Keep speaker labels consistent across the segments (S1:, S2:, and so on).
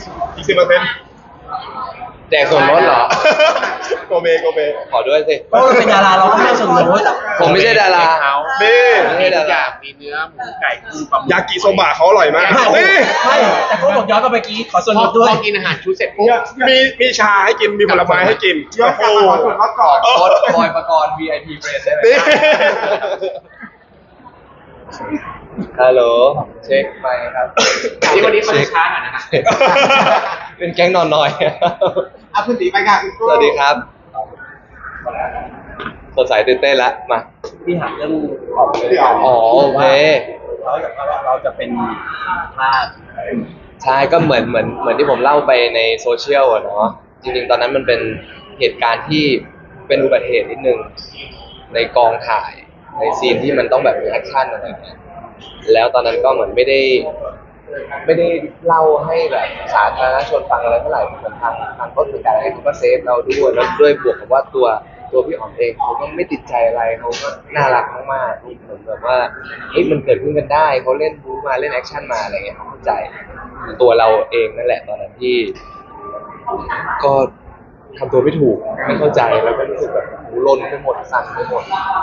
S1: อีก10%
S2: แจกส่วนลดเหรอ
S1: โกเบ
S2: ขอด้วยสิ
S3: เพราะเราเป็นดาราเราก็ไม่ได้ส่วนลด
S2: ผมไม่ใช่ดารา
S1: นี่
S2: ไม่ใช่ดารา
S4: มีเนื้อหมูไก่กุ้งปลาหมึก
S1: ยากิโซบะเขาอร่อยมาก
S3: ไม่
S1: นี่
S3: แต่ก็บอกย้อนกลับไปเมื่อกี้ขอส่วน
S4: พ
S3: ล
S4: อ
S3: ดด้วย
S4: กินอาหารชุดเสร็จปุ๊บ
S1: มีชาให้กินมีผลไม้ให้กิน
S5: ย้อนกลับมาขอส่วนลดก่อน
S2: โค้ดบอยประกรณ์ VIP Friend ได้ไหม
S1: นี่
S2: ฮัลโหลเช็คไปครับ
S4: ที่วันนี้เขาจะช้าหน่อยนะฮะ
S2: เป็นแก๊งนอนน้อย
S5: เอาคุณตีไปค่ะคุณ
S2: สวัสดีครับสดใสตื่นเต้นละมา
S3: พี่หาเรื่องออกเลย
S2: อ๋อโอเค
S3: เราอยากว่าเราจะเป็นภาพ
S2: ใช่ก็เหมือนที่ผมเล่าไปในโซเชียลอะเนาะจริงๆตอนนั้นมันเป็นเหตุการณ์ที่เป็นอุบัติเหตุนิดนึงในกองถ่ายในซีนที่มันต้องแบบมีแอคชั่นอะไรอย่างเงี้ยแล้วตอนนั้นก็เหมือนไม่ได้เล่าให้แบบสาธารณชนฟังอะไรเท่าไหร่เหมือนทางต้นสังกัดอะไรเขาก็เซฟเราด้วยแล้วด้วยบวกกับว่าตัวพี่อ๋อมเองเขาก็ไม่ติดใจอะไรเขาก็น่ารักมากๆเหมือนแบบว่าเฮ้ยมันเกิดขึ้นกันได้เขาเล่นบู๊มาเล่นแอคชั่นมาอะไรเงี้ยเขาเข้าใจตัวเราเองนั่นแหละตอนนั้นที่ก็ทำตัวไม่ถูกไม่เข้าใจแล้วก็รู้สึกแบบหูลนไปหมดสั่นไปหมด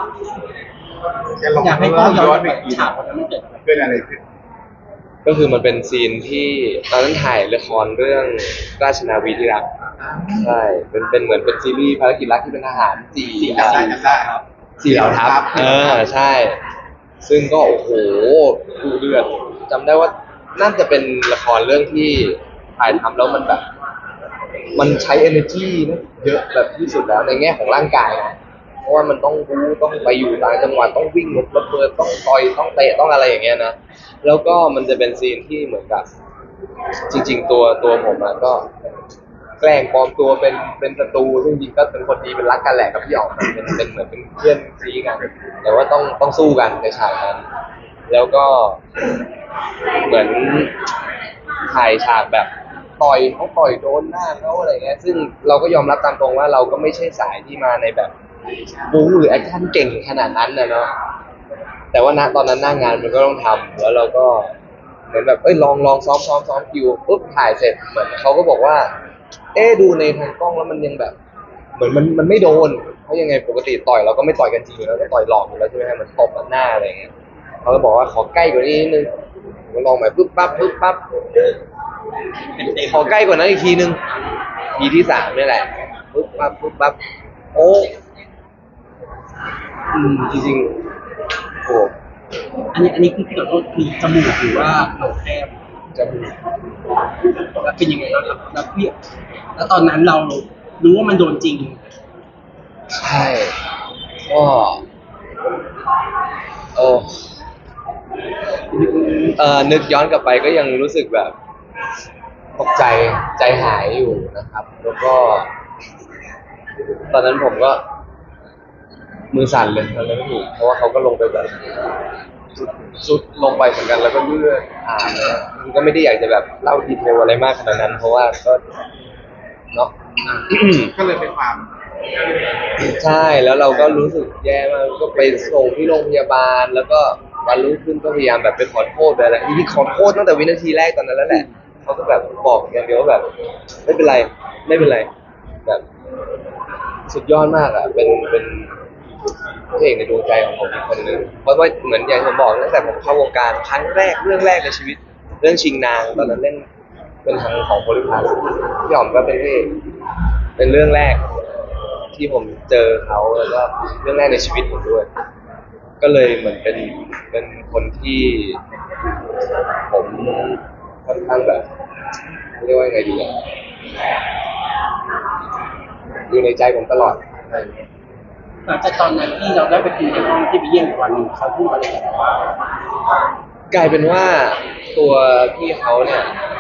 S3: อยากให้พ่อย้อนไปฉากวันนั้นมันเกิดอะไร
S5: เกิดอะไรขึ้น
S2: ก็คือมันเป็นซีนที่ตอนนั้นถ่ายละครเรื่องราชนาวีที่รักใช่เป็นเหมือนเป็นซีรีส์ภารกิจรักที่เป็นทหารสี่เหล่าทัพใช่ ซึ่งก็โอ้โหดูเดือดจำได้ว่าน่าจะเป็นละครเรื่องที่ถ่ายทำแล้วมันแบบ มันใช้ energy นะเยอะแบบที่สุดแล้วในแง่ของร่างกายนะเพราะว่ามันต้องบู๊ต้องไปอยู่ต่างจังหวัดต้องวิ่งรถระเบิดต้องต่อยต้องเตะต้องอะไรอย่างเงี้ยนะแล้วก็มันจะเป็นซีนที่เหมือนกับจริงๆตัวผมอะก็แกล้งปลอมตัวเป็นศัตรูซึ่งจริงๆก็เป็นคนดีเป็นรักกันแหละกับพี่อ๋อมเป็นเหมือนเป็นเพื่อนซีกันแต่ว่าต้องสู้กันในฉากนั้นแล้วก็เหมือนถ่ายฉากแบบต่อยโดนหน้าเขาอะไรเงี้ยซึ่งเราก็ยอมรับตามตรงว่าเราก็ไม่ใช่สายที่มาในแบบบู๊หรือแอคชั่นเก่งขนาดนั้นนะเนาะแต่ว่าณตอนนั้นหน้างานมันก็ต้องทำแล้วเราก็เหมือนแบบลองซ้อมคิวปุ๊บถ่ายเสร็จเหมือนเขาก็บอกว่าดูในทางกล้องแล้วมันยังแบบเหมือนมันไม่โดนเพราะยังไงปกติต่อยเราก็ไม่ต่อยกันจริงอยู่แล้วก็ต่อยหลอกอยู่แล้วใช่ไหมฮะมันตบหน้าอะไรเงี้ยเขาก็บอกว่าขอใกล้กว่านี้นิดนึงผมลองใหม่ปุ๊บปั๊บขอใกล้กว่านั้นอีกทีนึงทีที่3นี่แหละปุ๊บปั๊บโอ้จริงๆโอ้
S3: อันนี้คือพี่ขอโทษคือจมูกหรือว่าโหนกแก้ม
S2: จมูก
S3: แล้วเป็นยังไงแล้วพี่แล้วตอนนั้นเรารู้ว่ามันโดนจริง
S2: ใช่ก็โอ้นึกย้อนกลับไปก็ยังรู้สึกแบบตกใจหายอยู่นะครับ แล้วก็ ตอนนั้นผมก็มือสั่นเลยทำอะไรไม่ถูกเพราะว่าเขาก็ลงไปแบบสุดลงไปเหมือนกันแล้วก็เลือดอาบเลยมันก็ไม่ได้อยากจะแบบเล่าดีเทลอะไรมากขนาดนั้น เพราะว่าก็เนาะ
S5: ก็เลยเป็นความ
S2: ใช่แล้วเราก็รู้สึกแย่มากก็ไปส่งที่โรงพยาบาล แล้วก็วันรุ่งขึ้นก็พยายามแบบไปขอโทษอะไรจริงๆขอโทษตั้งแต่วินาทีแรกตอนนั้นแล้วแหละเขาก็แบบบอกอย่างเดียวว่าแบบไม่เป็นไรแบบสุดยอดมากอ่ะเป็นพระเอกในดวงใจของผมอีกคนนึงเพราะว่าเหมือนอย่างที่ผมบอกตั้งแต่ผมเข้าวงการครั้งแรกเรื่องแรกในชีวิตเรื่องชิงนางตอนนั้นเล่นเป็นทางของโพลิพัสพี่อ๋อมก็เป็นพระเอกเป็นเรื่องแรกที่ผมเจอเขาแล้วก็เรื่องแรกในชีวิตผมด้วยก็เลยเหมือนเป็นคนที่ผมค่อนข้างแบบเรียกว่าไงดีอยู่ในใจผมตลอด
S3: หลังจากตอนนั้นที่เราได้ไปคุยในห้องที่ไปเยี่ยมอีกวันหนึ่งเขาพูดอะไรกับเราบ้าง
S2: กลายเป็นว่าตัวพี่เขาเนี่ย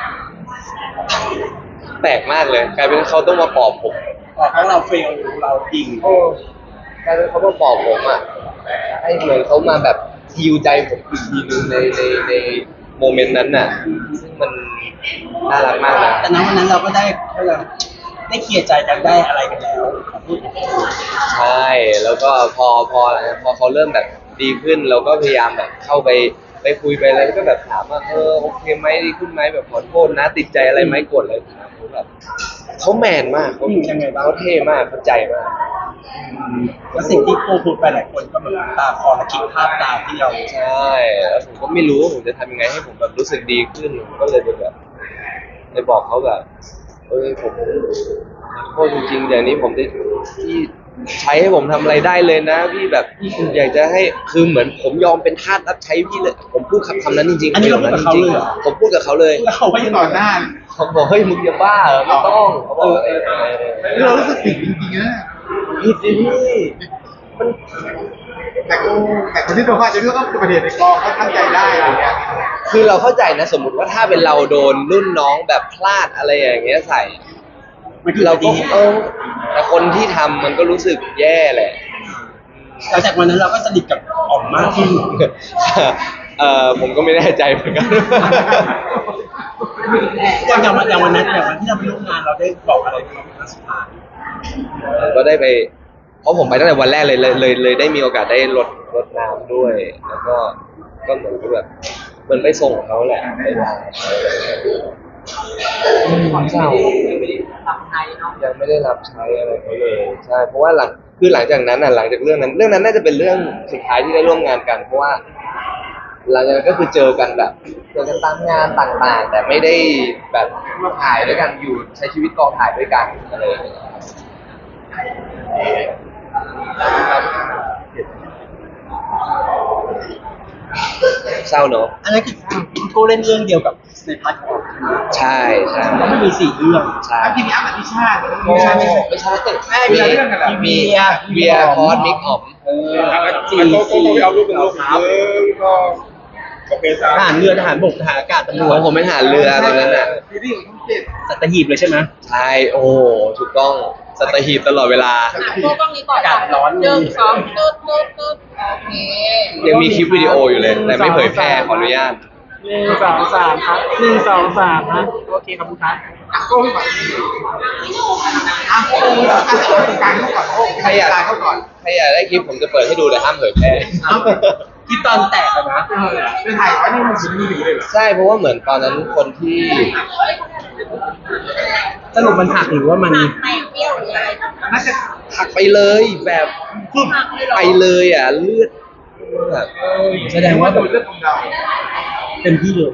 S2: แปลกมากเลยกลายเป็นเขาต้องมาปลอบผม
S3: บอกว่าเราเฟลเราจริง
S2: โอ้กลายเป็นเขามาปลอบผมอ่ะให้เหมือนเขามาแบบฮิวใจผมอีกทีนึงในโมเมนต์นั้นน่ะซึ่งมันน่ารักมากนะ
S3: แต่ณวันนั้นเราก็ได้เคลียร์ใจกันได้อะไรกันแล้วขอพูด
S2: ใช่แล้วก็พอเขาเริ่มแบบดีขึ้นเราก็พยายามแบบเข้าไปไปคุยไปอะไรแล้วก็แบบถามว่าโอเคไหมดีขึ้นไหมแบบขอโทษนะติดใจอะไรไหมโกรธอะไรเขาแบบเขาแมนมากเขาเขาเท่มากเข้าใจมาก
S3: แล้วสิ่งที่โกพูดไปหลายคนก็เหมือนตาคอและคิดภาพตามที่เรา
S2: ใช่แล้วผมก็ไม่รู้ว่าผมจะทำยังไงให้ผมแบบรู้สึกดีขึ้นผมก็เลยไปแบบไปบอกเขาแบบผมโทษจริงๆอย่างนี้ผมได้ที่ใช้ให้ผมทำอะไรได้เลยนะพี่แบบอยากจะให้คือเหมือนผมยอมเป็นทาสรับใช้พี่เลยผมพูดคำนั้นจริงๆ
S3: อันนี้เราพูดกับเขาเลยเหรอ
S2: ผมพูดกับเขาเลย
S3: แล้วเขาก็
S5: ที่
S3: ยัง
S5: ต่อหน้า
S2: เขาบอกเฮ้ยมึงจะบ้าเหรอไม่ต้องเขาบอก
S5: เรารู้สึกผิดจริงๆนะ
S2: ผิดสิพี่มัน
S5: แต่คนที่โดนว่าจะเรื่องก็อุบัติเหตุในกองเขาตั้งใจได้อะไรเงี้ย
S2: คือเราเข้าใจนะสมมุติว่าถ้าเป็นเราโดนรุ่นน้องแบบพลาดอะไรอย่างเงี้ยใส่ เราก็แต่คนที่ทำมันก็รู้สึกแย่แหละ
S3: หลังจากวันนั้นเราก็สนิทกับอ๋อมมากขึ้น
S2: ผมก็ไม่แน่ใจเหมือนกัน
S3: อย่างวันนั้นอย่างวันที่เราไปร่วมงานเราได้บอกอะไรกับเขาเป็นครั้งสุดท้าย
S2: ก็ได้ไปเพราะผมไปตั้งแต่วันแรกเลยได้มีโอกาสได้รดน้ำด้วย แล้วก็เหมือนกับแบบเหมือนไปส่งเขาแหละไปลาเศร้ายังไม่ได้รับใช้อะไรเขาเลยใช่เพราะว่าหลังจากนั้นหลังจากเรื่องนั้นน่าจะเป็นเรื่องสุดท้ายที่ได้ร่วมงานกันเพราะว่าหลังจากนั้นก็คือเจอกันตามงานต่างๆ แต่ไม่ได้แบบมาถ่ายด้วยกันอยู่ใช้ชีวิตกองถ่ายด้วยกันอะไรอย่างเงี้ยเศร้าเนอะ
S3: อันนั้นคือคุณโก้เล่นเรื่องเดียวกับในพาร์ทของใช่ไหม
S2: ใช่
S3: ก็ไม่มี4 เรื่อง
S2: ใช่
S5: แล้วพี่มีอ้ำกับพี่ชาติ
S2: ไม่ใช่เบียร์พอดมิกออม
S1: จีโก้ไปเอารูปเป็นรูปก็โอเคจ้า
S3: ทหารเรือทหารบกทหารอากาศตำรว
S2: ข
S3: จ
S2: องผมเป็นทหารเรือตอนนั้นน่ะ
S5: ซีรีส์ของช่องเจ็ด
S3: สัตหีบเลยใช่ไหม
S2: ใช่โอ้ถูกต้องสัตหีบตลอดเวลา
S6: โก้กล้องนี้ก่อน
S3: อากาศร้อน
S6: 1 2ตึ๊ดโอเค
S2: ยังมีคลิปวิดีโออยู่เลย แต่ไม่เผยแพร่ขออนุญาต
S4: 1 2 3ครับ1 2 3นะโอเคครับคุณครับ
S5: โก้ก่อนโก้การเขาก่อนโก้
S2: ใครอยาก
S5: การเขาก่อน
S2: ใครอยากได้คลิปผมจะเปิดให้ดูแต่ห้ามเผยแพร่
S3: ที่ตอนแตกอะนะ
S5: เป็นถ่ายไว้ในมือถือเลยเหรอ
S2: ใช่เพราะว่าเหมือนตอนนั้นคนที่
S3: สรุปมันหักหรือว่ามัน
S6: ไม่เปรี้ยวหรืออะไร
S5: น่าจะ
S2: หักไปเลยแบบปุ๊บไปเลยอ่ะเลือดแบบ
S3: แสดงว่า
S5: โดนเรื่องของเรา
S3: เต็มที่เลย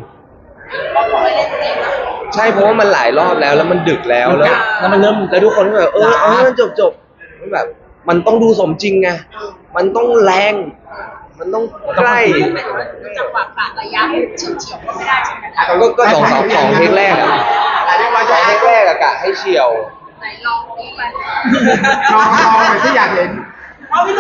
S2: ใช่เพราะว่ามันหลายรอบแล้วมันดึกแล้ว
S3: แล้วมันเริ่ม
S2: แล้วทุกคนก็แบบมันจบมันแบบ มันต้องดูสมจริงไงมันต้องแรง มันต้องใกล้
S6: จังหวะกะระยะเฉียวๆก็ไม่ได้ใช่ไหมคะ
S2: ก็สองเทคแรกอะสองเทคแรกอะกะให้เฉียว
S6: ไหนลองดูไป
S5: ลองไปที่อยากเห็น